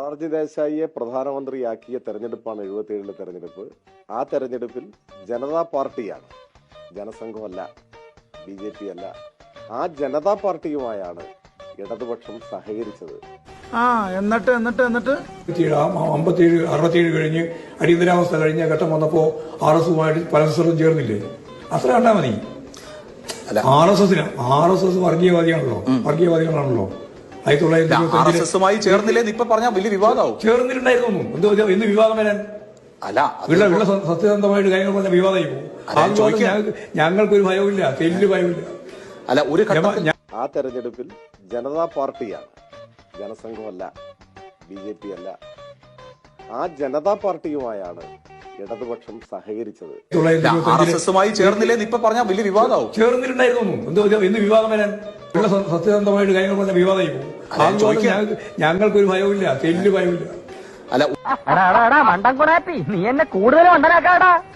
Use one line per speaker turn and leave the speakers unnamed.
മൊറാർജി ദേശായിയെ പ്രധാനമന്ത്രിയാക്കിയ തെരഞ്ഞെടുപ്പാണ് 77 തെരഞ്ഞെടുപ്പ്. ആ തെരഞ്ഞെടുപ്പിൽ ജനതാ പാർട്ടിയാണ്, ജനസംഘമല്ല, BJP അല്ല. ആ ജനതാ പാർട്ടിയുമായാണ് ഇടതുപക്ഷം സഹകരിച്ചത്.
എന്നിട്ട്
57, 67 കഴിഞ്ഞ് അടിയന്തരാവസ്ഥ കഴിഞ്ഞ ഘട്ടം വന്നപ്പോ RSUമായിട്ട് പരസ്പരം ചേർന്നില്ലേ? അത്ര കണ്ടാ മതി. RSS വർഗീയവാദികളാണല്ലോ.
1920 ചേർന്നില്ലെന്ന് ഇപ്പൊ പറഞ്ഞാൽ വലിയ വിവാദമാവും.
ചേർന്നിട്ടുണ്ടായിരുന്നു. എന്ത് വിവാദം വരാൻ? ഉള്ള സത്യസന്ധമായിട്ട് കാര്യങ്ങൾ പറഞ്ഞ വിവാദമായി പോകും. ഞങ്ങൾക്കൊരു ഭയവുമില്ല, തെല്ല് ഭയമില്ല.
ആ തെരഞ്ഞെടുപ്പിൽ ജനതാ പാർട്ടിയാണ്, ജനസംഘമല്ല, BJP അല്ല. ആ ജനതാ പാർട്ടിയുമായാണ് ഇടതുപക്ഷം സഹകരിച്ചത്.
ചേർന്നില്ലെന്ന് ഇപ്പൊ പറഞ്ഞാൽ വലിയ വിവാദമാവും.
ചേർന്നിട്ടുണ്ടായിരുന്നു. എന്ത് വിവാദം വരാൻ? ഉള്ള സത്യസന്ധമായിട്ട് കാര്യങ്ങൾ പറഞ്ഞ വിവാദമായി പോകും. ഞങ്ങൾക്കൊരു ഭയവുമില്ല, തെല്ല് ഭയമില്ല.
മണ്ടൻ കുടാപ്പി, നീ എന്നെ കൂടുതൽ മണ്ടനാക്കാടാ.